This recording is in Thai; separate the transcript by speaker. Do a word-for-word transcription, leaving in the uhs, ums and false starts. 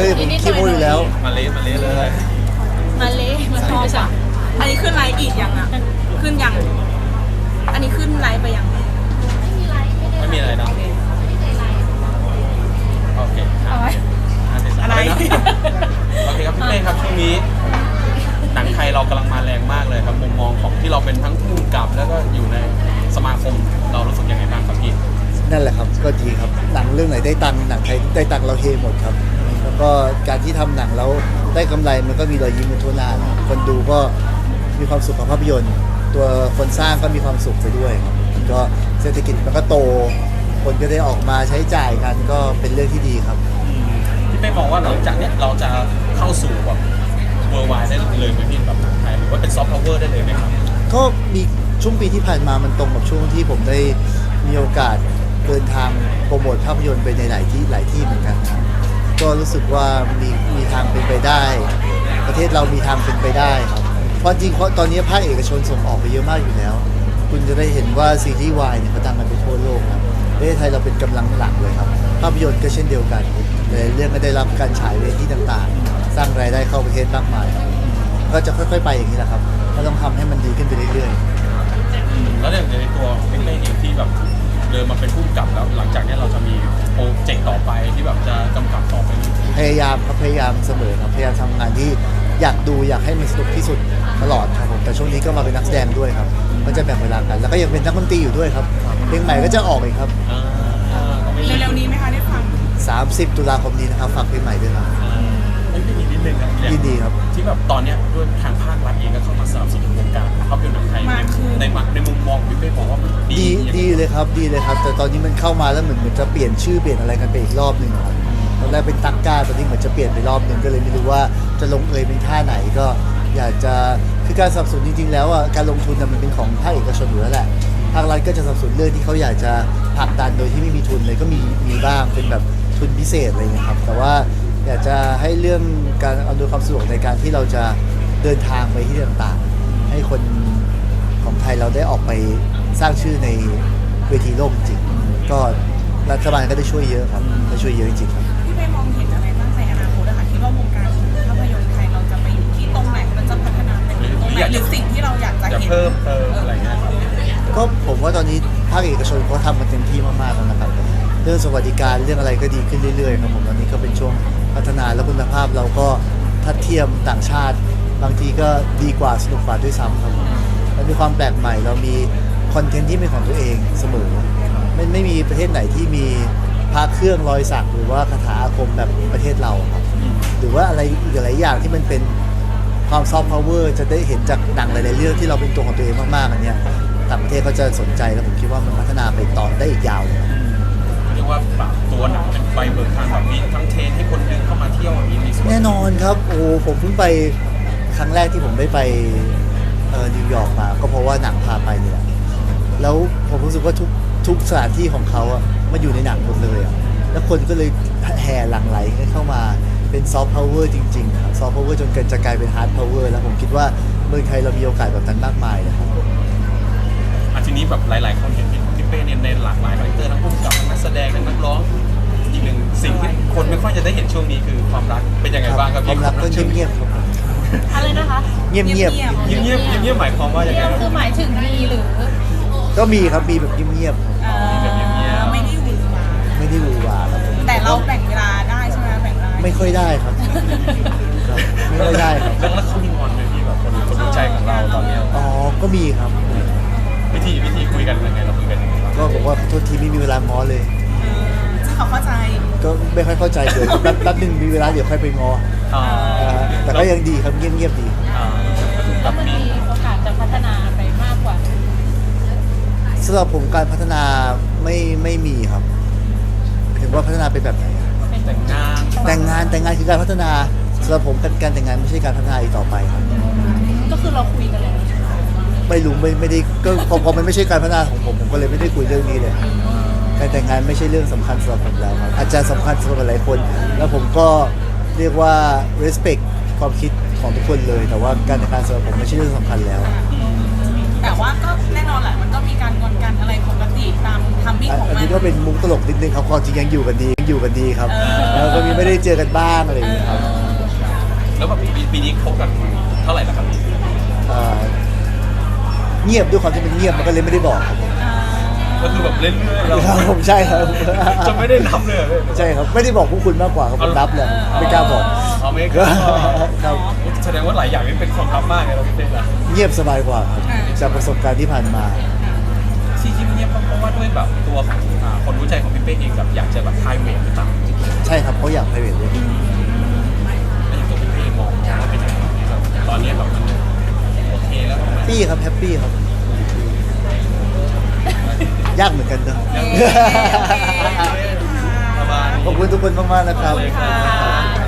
Speaker 1: เลยผมขี้โม้อยู่แล้ว
Speaker 2: มาเละมาเละเลย
Speaker 3: มาเละมาชอบอ่ะ
Speaker 4: อันนี้ขึ้นไลฟ์อีกยังอ่ะ ขึ้นยัง อันนี้ขึ้นไลฟ์ไปยัง
Speaker 2: ไม่มีอะไรเนาะโอเคครับ
Speaker 4: อะไร
Speaker 2: นะโอเคครับพี่เป้ครับช่วงนี้หนังไทยเรากำลังมาแรงมากเลยครับมุมมองของที่เราเป็นทั้งผู้กำกับแล้วก็อยู่ในสมาคมเรารู้สึกยังไงบ้างครับพี่
Speaker 1: นั่นแหละครับก็ดีครับหนังเรื่องไหนได้ตังค์หนังไทยได้ตังค์เราเฮหมดครับแล้วก็การที่ทำหนังแล้วได้กำไรมันก็มีรอยยิ้มกันทั่วหน้านะคนดูก็มีความสุขกับภาพยนตร์ ตัวคนสร้างก็มีความสุขไปด้วยครับมันก็เศรษฐกิจมันก็โต คนก็ได้ออกมาใช้จ่ายกันก็เป็นเรื่องที่ดีครับ
Speaker 2: พี่เป้มองว่าหลังจากเนี้ยเราจะเข้าสู่แบบเวอร์ไวได้เลยไหมพี่แบบหนังไทยหรือว่าเป็นซอฟต์พาวเวอร์ได้เลยไหมครับ
Speaker 1: ก็มีช่วงปีที่ผ่านมามันตรงกับช่วงที่ผมได้มีโอกาสเดินทางโปรโมทภาพยนตร์ไปในหลายที่หลายที่เหมือนกันครับก็รู้สึกว่ามีมีทางเป็นไปได้ ประเทศเรามีทางเป็นไปได้ครับเพราะจริงเพราะตอนนี้ภาคเอกชนส่งออกไปเยอะมากอยู่แล้ว คุณจะได้เห็นว่าซีรีส์วายเนี่ยเขาดังกันไปทั่วโลกครับประเทศไทยเราเป็นกำลังหลักเลยครับภาพยนตร์ก็เช่นเดียวกันหลายเรื่องก็ได้รับการฉายเวทีต่างๆ สร้างรายได้เข้าประเทศมากมายครับก็จะค่อยๆไปอย่างนี้แหละครับก็ต้องทำให้มันดีขึ้นไปเรื่อยๆ
Speaker 2: แล้วอย่างในตัวพี่เป้เองที่แบบเดินมาเป็นผู้กำกับแล้วหลังจากเนี้ยเราจะมีโปรเจกต์ต่อไปที่แบบจะกำกับต่อไป
Speaker 1: พยายามครับพยายามเสมอครับพยายามทำงานที่อยากดูอยากให้มันสนุกที่สุดตลอดครับผมแต่ช่วงนี้ก็มาเป็นนักแสดงด้วยครับก็จะแบ่งเวลากัน แล้วก็ยังเป็นนักดนตรีอยู่ด้วยครับเพลงใหม่ก็จะออกอีกครับ
Speaker 2: อ่าก็ไม่มี
Speaker 4: เร็วๆนี้ไหมคะได้ฟัง
Speaker 1: สามสิบตุลาคมนี้นะครับฝากเพลงใหม่ด้วยครับ
Speaker 2: ไม่ได้ยินนิดนึงนะ
Speaker 1: ยินดีครับ
Speaker 2: ที่แบบตอนเนี้ยด้วยทางภาครัฐเองก็เข้ามาสนับสนุนวงการภาพยนตร์หนังไทย
Speaker 4: มากขึ้น
Speaker 2: ในในมุมมองพี่เป้บอกว่ามันดี
Speaker 1: ดีดีเลยครับดีเลยครับ แต่ตอนนี้มันเข้ามาแล้วเหมือนเหมือนจะเปลี่ยนชื่อเปลี่ยนอะไรกันไปอีกรอบหนึ่งครับตอนแรกเป็นตักก้าตอนนี้เหมือนจะเปลี่ยนไปรอบหนึ่งก็เลยไม่รู้ว่าจะลงเอยเป็นท่าไหนก็อยากจะคือการสนับสนุนจริงๆแล้วอ่ะการลงทุนน่ะมันเป็นของภาคเอกชนอยู่แล้วแหละภาครัฐก็จะสนับสนุนเรื่องที่เขาอยากจะผลักดันโดยที่ไม่มีทุนเลยก็มีมีบ้างเป็นแบบทุนพิเศษอะไรอย่างเงี้ยครับแต่ว่าอยากจะให้เรื่องการอำนวยความสะดวกในการที่เราจะเดินทางไปที่ต่างๆให้คนของไทยเราได้ออกไปสร้างชื่อในเวทีโลกจริงๆก็รัฐบาลก็ได้ช่วยเยอะครับได้ช่วยเยอะจริงๆครับ
Speaker 4: พี่ไปมองเห็นอะไรบ้างในอนาคตอะค่ะคิดว่าวงการภาพยนตร์ไทยเราจะไปอยู่ที่ตรงไหนมันจะพัฒนาไปถึงตรงไหนหรือสิ่งที่เราอยากจะ
Speaker 2: จะ
Speaker 4: เห็น
Speaker 2: เพิ่มเติมอะไรเงี้ยครับ
Speaker 1: ก็ผมว่าตอนนี้ภาคเอกชนเขาทำกันเต็มที่มากๆแล้วนะครับเรื่องสวัสดิการเรื่องอะไรก็ดีขึ้นเรื่อยๆครับผมตอนนี้ก็เป็นช่วงพัฒนาและคุณภาพเราก็ทัดเทียมต่างชาติ บางทีก็ดีกว่าสนุกกว่าด้วยซ้ำครับแล้วมีความแปลกใหม่เรามีคอนเทนต์ที่เป็นของตัวเองเสมอไม่ไม่มีประเทศไหนที่มีพระเครื่องรอยสักหรือว่าคาถาอาคมแบบประเทศเราครับหรือว่าอะไรอีกหลายอย่างที่มันเป็นความซอฟต์พาวเวอร์จะได้เห็นจากหนังหลายๆเรื่องที่เราเป็นตัวของตัวเองมากๆอันเนี้ยต่างประเทศเขาจะสนใจแล้วผมคิดว่ามันพัฒนาไปต่อได้อีกยาวเลย
Speaker 2: เรียกว่าปรับตัวหนังเป็นไปเบิกทางแบบนี้ทั้งเทรนให้คนดึงเข้ามาเที่ยวอย่างนี้มีส่วน
Speaker 1: แน่นอนครับโอ้ผมเพิ่งไปครั้งแรกที่ผมได้ไปเอ่อนิวยอร์กมาก็เพราะว่าหนังพาไปเนี่ยแล้วผมรู้สึกว่าทุกทุกสถานที่ของเขาอะมาอยู่ในหนังหมดเลยอะแล้วคนก็เลยแห่หลั่งไหลกันเข้ามาเป็นซอฟต์พาวเวอร์จริงๆครับซอฟต์พาวเวอร์จนเกิดจะกลายเป็นฮาร์ดพาวเวอร์แล้วผมคิดว่าเมืองไทยเรามีโอกาสแบบนั้นมากมายนะครับ
Speaker 2: อ่ะทีนี้แบบหลาย ๆ คนเห็นพี่เป้เนี่ยในหลากหลายคาแรคเตอร์ทั้งผู้กำกับทั้งนักแสดงทั้งนักร้องอีกหนึ่งสิ่งที่คนไม่ค่อยจะได้เห็นช่วงนี้คือความรักเป็นยังไงบ้างครับ
Speaker 1: ค
Speaker 2: พี่
Speaker 1: วามรักก็เงียบๆครับ
Speaker 3: อะไรนะคะ
Speaker 1: เงียบๆ
Speaker 2: เงียบเงียบเงียบเงียบหมายความว่าอย่าง
Speaker 3: เงี
Speaker 2: ไร
Speaker 3: ยบ
Speaker 2: ครับ
Speaker 3: คือหมายถึงมีหรือ
Speaker 1: ก็มีครับมีแบบเงียบ
Speaker 4: เอ่อไม่ได้หวือหวา
Speaker 1: ๆไม่ได้หวือหวาครับผม
Speaker 4: แต่เราแบ่งเวลาได้ใช่ไหมแบ่งเวลา
Speaker 1: ไม่ค่อยได้ครับครับไม่ค่อยได้ครับ
Speaker 2: แล้วแล้วเขามีงอนไหมพี่แบบคนคนรู้ใจของเราตอนเนี้ย
Speaker 1: อ๋อก็มีครับ
Speaker 2: วิธีวิธีคุยกันยังไงเราคุยกันยังไงบ้าง
Speaker 1: ก็บอกว่าโทษทีไม่มีเวลาง้อเลย
Speaker 4: เออซึ่งเขาเข้าใจ
Speaker 1: ก็ไม่ค่อยเข้าใจเดี๋ยวแป๊บแป๊บหนึงมีเวลาเดี๋ยวค่อยไปง้อ
Speaker 2: อ่า
Speaker 1: อ่าแต่ก็ยังดีครับเงียบๆดี
Speaker 2: อ่าแบ
Speaker 3: แล้ว
Speaker 2: บ
Speaker 3: มัน
Speaker 2: มี
Speaker 3: มีโอกาสจะพัฒนาไปมากกว่า
Speaker 1: สำหรับผมการพัฒนาไม่ไม่มีครับถึงว่าพัฒนาเป็นแบบไหนอะ
Speaker 2: แต่งงาน
Speaker 1: แต่งงานแต่งงานคือการพัฒนาสำหรับผมการการแต่งงานไม่ใช่การพัฒนาอีกต่อไปครับ
Speaker 3: ก็คือเราคุยกันแล้ว
Speaker 1: ไม่รู้ไม่ไม่ได้ก็พอพอมันไม่ใช่การพัฒนาของผมผมก็เลยไม่ได้คุยเรื่องนี้เลยการแต่งงานไม่ใช่เรื่องสำคัญสำหรับผมแล้วครับอาจจะสำคัญสำหรับหลายคน แล้วผมก็เรียกว่า respect ความคิดของทุกคนเลย แต่ว่าการแต่งงานสำหรับผมไม่ใช่เรื่องสำคัญแล้ว
Speaker 4: แต่ว่าก็แน่นอนแหละมันก็มีการงอนกันอะไรปกติตามทำมิ่งของ
Speaker 1: อัน
Speaker 4: มัน
Speaker 1: นี้ก็เป็นมุกตลกนิดนึงครับความจริงยังอยู่กันดียังอยู่กันดีครับ
Speaker 4: เออ
Speaker 1: แล้วก็มีไม่ได้เจอกันบ้างอะไรอย่างเงี้ยครับ
Speaker 2: แล้วแบบปีปีนี้คบกันเท่าไหร่แล้วครับพี่
Speaker 1: เอ่อเงียบด้วยความที่มันเงียบมันก็เลยไม่ได้บอกครับผม
Speaker 2: ก็คือแบบเล่นเรื่อยๆเรา
Speaker 1: ครับผมใช่ครับ
Speaker 2: จะไม่ได้นับเลยเหรอพี่
Speaker 1: ใช่ครับไม่ได้บอกพวกคุณมากกว่าครับผมรับเลยไม่กล้าบอก
Speaker 2: อ๋อไม่กล้า
Speaker 1: ครับ
Speaker 2: แสดงว่าหลายอย่างนี่เป็นความลับมากเลยเราพี่เป้ล่ะ
Speaker 1: เงียบสบายกว่าครับจากประสบการณ์ที่ผ่านมา
Speaker 2: ที่ที่เงียบเพราะว่าด้วยแบบตัวของอ่าคนรู้ใจของพี่เป้เองแบบอยากจะแบบไพรเวทหรือเปล่า
Speaker 1: ใช่ครับเขาอยากไปเวทเลย
Speaker 2: แล้วอย่างตัวพี่เป้มองว่าเป็นยังไงแบบตอนนี้แบบมันโอเคแล้วไหม
Speaker 1: ปี้ครับแฮปปี้ครับ ยากเหมือนกันเนอะ
Speaker 2: ยัง ประมาณ
Speaker 1: ขอบคุณทุกคนมากๆนะครับ
Speaker 2: เลยครับ